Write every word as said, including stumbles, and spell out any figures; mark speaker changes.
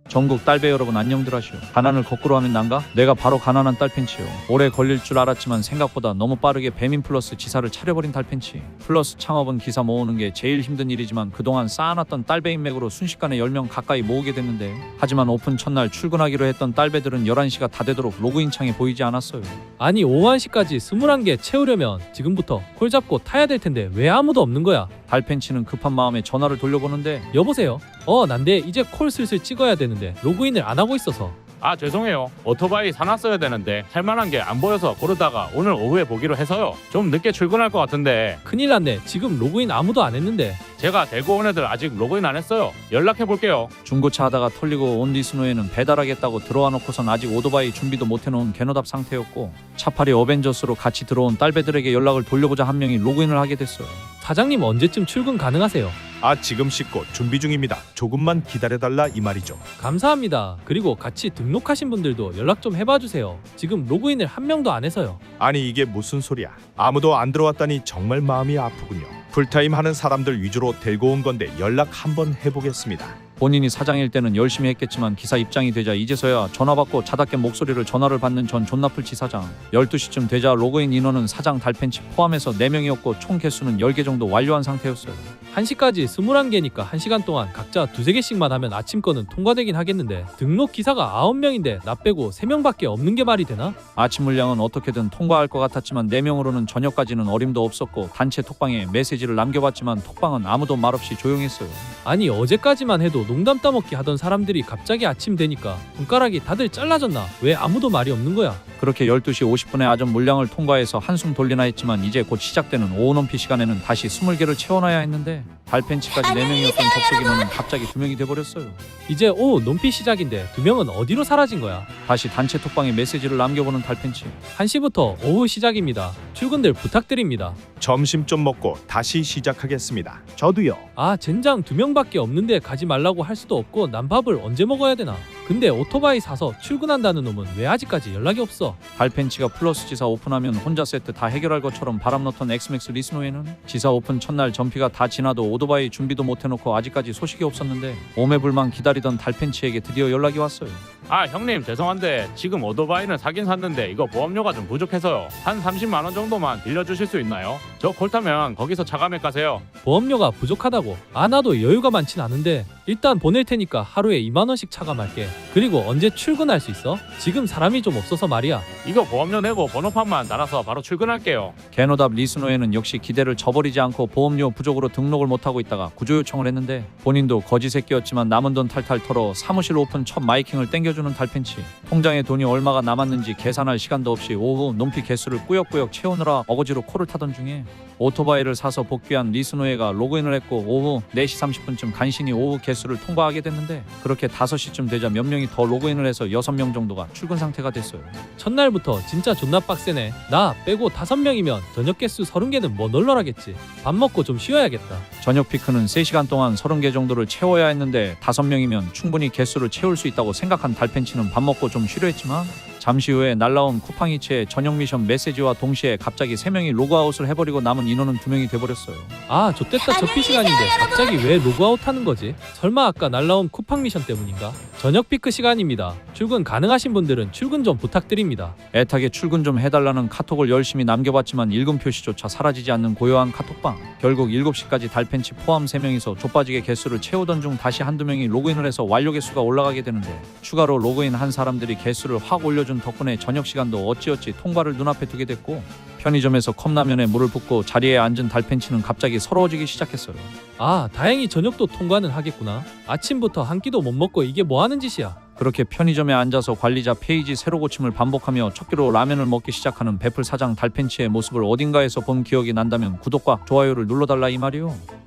Speaker 1: 전국 딸배 여러분 안녕들 하시오. 가난을 거꾸로 하면 난가? 내가 바로 가난한 딸팬치요. 오래 걸릴 줄 알았지만 생각보다 너무 빠르게 배민 플러스 지사를 차려버린 딸팬치. 플러스 창업은 기사 모으는 게 제일 힘든 일이지만 그동안 쌓아놨던 딸배 인맥으로 순식간에 열 명 가까이 모으게 됐는데, 하지만 오픈 첫날 출근하기로 했던 딸배들은 열한 시가 다 되도록 로그인 창에 보이지 않았어요.
Speaker 2: 아니 오한 시까지 스물한 개 채우려면 지금부터 콜 잡고 타야 될 텐데 왜 아무도 없는 거야?
Speaker 1: 달팬치는 급한 마음에 전화를 돌려보는데,
Speaker 2: 여보세요? 어 난데 이제 콜 슬슬 찍어야 되는데 로그인을 안 하고 있어서.
Speaker 3: 아 죄송해요. 오토바이 사놨어야 되는데 살만한 게 안 보여서 고르다가 오늘 오후에 보기로 해서요. 좀 늦게 출근할 것 같은데.
Speaker 2: 큰일 났네. 지금 로그인 아무도 안 했는데.
Speaker 3: 제가 데리고 온 애들 아직 로그인 안 했어요. 연락해 볼게요.
Speaker 1: 중고차 하다가 털리고 온 리스노에는 배달하겠다고 들어와 놓고선 아직 오토바이 준비도 못 해놓은 개노답 상태였고, 차팔이 어벤져스로 같이 들어온 딸배들에게 연락을 돌려보자 한 명이 로그인을 하게 됐어요.
Speaker 2: 사장님 언제쯤 출근 가능하세요?
Speaker 4: 아 지금 씻고 준비 중입니다. 조금만 기다려달라 이 말이죠.
Speaker 2: 감사합니다. 그리고 같이 등록하신 분들도 연락 좀 해봐 주세요. 지금 로그인을 한 명도 안 해서요.
Speaker 4: 아니 이게 무슨 소리야. 아무도 안 들어왔다니 정말 마음이 아프군요. 풀타임 하는 사람들 위주로 데리고 온 건데 연락 한번 해보겠습니다.
Speaker 1: 본인이 사장일 때는 열심히 했겠지만 기사 입장이 되자 이제서야 전화받고 자답게 목소리를 전화를 받는 전 존나풀치 사장. 열두 시쯤 되자 로그인 인원은 사장 달팬치 포함해서 네 명이었고 총 개수는 열 개 정도 완료한 상태였어요.
Speaker 2: 한 시까지 스물한 개니까 한 시간 동안 각자 두세 개씩만 하면 아침 거는 통과되긴 하겠는데, 등록 기사가 아홉 명인데 나 빼고 세 명밖에 없는 게 말이 되나?
Speaker 1: 아침 물량은 어떻게든 통과할 것 같았지만 네 명으로는 저녁까지는 어림도 없었고, 단체 톡방에 메시지를 남겨봤지만 톡방은 아무도 말없이 조용했어요.
Speaker 2: 아니 어제까지만 해도 농담 따먹기 하던 사람들이 갑자기 아침 되니까 손가락이 다들 잘라졌나? 왜 아무도 말이 없는 거야?
Speaker 1: 그렇게 열두 시 오십 분에 아점 물량을 통과해서 한숨 돌리나 했지만 이제 곧 시작되는 오후 넘피 시간에는 다시 스물 개를 채워놔야 했는데, 달팬치까지 네 명이었던 접속 인원은 갑자기 두 명이 돼버렸어요.
Speaker 2: 이제 오후 논피 시작인데 두 명은 어디로 사라진 거야?
Speaker 1: 다시 단체 톡방에 메시지를 남겨보는 달팬치.
Speaker 2: 한 시부터 오후 시작입니다. 출근들 부탁드립니다.
Speaker 4: 점심 좀 먹고 다시 시작하겠습니다. 저도요.
Speaker 2: 아 젠장 두 명밖에 없는데 가지 말라고 할 수도 없고 난 밥을 언제 먹어야 되나? 근데 오토바이 사서 출근한다는 놈은 왜 아직까지 연락이 없어?
Speaker 1: 달팬치가 플러스 지사 오픈하면 혼자 세트 다 해결할 것처럼 바람 넣던 엑스맥스 리스노에는 지사 오픈 첫날 전피가 다 지나도 오토바이 준비도 못 해놓고 아직까지 소식이 없었는데, 오매불만 기다리던 달팬치에게 드디어 연락이 왔어요.
Speaker 3: 아 형님 죄송한데 지금 오토바이는 사긴 샀는데 이거 보험료가 좀 부족해서요. 한 삼십만 원 정도만 빌려주실 수 있나요? 저 콜 타면 거기서 차감액 가세요.
Speaker 2: 보험료가 부족하다고? 아 나도 여유가 많진 않은데 일단 보낼 테니까 하루에 이만 원씩 차감할게. 그리고 언제 출근할 수 있어? 지금 사람이 좀 없어서 말이야.
Speaker 3: 이거 보험료 내고 번호판만 달아서 바로 출근할게요.
Speaker 1: 개노답 리스노에는 역시 기대를 저버리지 않고 보험료 부족으로 등록을 못하고 있다가 구조 요청을 했는데, 본인도 거지 새끼였지만 남은 돈 탈탈 털어 사무실 오픈 첫 마이킹을 땡겨주는 달팬치. 통장에 돈이 얼마가 남았는지 계산할 시간도 없이 오후 논피 개수를 꾸역꾸역 채우느라 어거지로 코를 타던 중에 오토바이를 사서 복귀한 리스노에가 로그인을 했고, 오후 네 시 삼십 분쯤 간신히 오후 개수를 통과하게 됐는데, 그렇게 다섯 시쯤 되자 몇 명이 더 로그인을 해서 여섯 명 정도가 출근 상태가 됐어요.
Speaker 2: 첫날부터 진짜 존나 빡세네. 나 빼고 다섯 명이면 저녁 개수 서른 개는 뭐 널널하겠지. 밥 먹고 좀 쉬어야겠다.
Speaker 1: 저녁 피크는 세 시간 동안 서른 개 정도를 채워야 했는데, 다섯 명이면 충분히 개수를 채울 수 있다고 생각한 달팬치는 밥 먹고 좀 쉬려 했지만, 잠시 후에 날라온 쿠팡이체의 저녁 미션 메시지와 동시에 갑자기 세 명이 로그아웃을 해버리고 남은 인원은 두 명이 돼버렸어요.
Speaker 2: 아 좆됐다 접피 시간인데 갑자기 왜 로그아웃 하는 거지? 설마 아까 날라온 쿠팡 미션 때문인가? 저녁 피크 시간입니다. 출근 가능하신 분들은 출근 좀 부탁드립니다.
Speaker 1: 애타게 출근 좀 해달라는 카톡을 열심히 남겨봤지만 읽음 표시조차 사라지지 않는 고요한 카톡방. 결국 일곱 시까지 달팬치 포함 세 명이서 좆빠지게 개수를 채우던 중 다시 한두 명이 로그인을 해서 완료 개수가 올라가게 되는데, 추가로 로그인 한 사람들이 개수를 확 올려준 덕분에 저녁 시간도 어찌어찌 통과를 눈앞에 두게 됐고, 편의점에서 컵라면에 물을 붓고 자리에 앉은 달팬치는 갑자기 서러워지기 시작했어요.
Speaker 2: 아 다행히 저녁도 통과는 하겠구나. 아침부터 한 끼도 못 먹고 이게 뭐 하는 짓이야.
Speaker 1: 그렇게 편의점에 앉아서 관리자 페이지 새로 고침을 반복하며 첫 끼로 라면을 먹기 시작하는 베풀 사장 달팬치의 모습을 어딘가에서 본 기억이 난다면 구독과 좋아요를 눌러달라 이 말이요.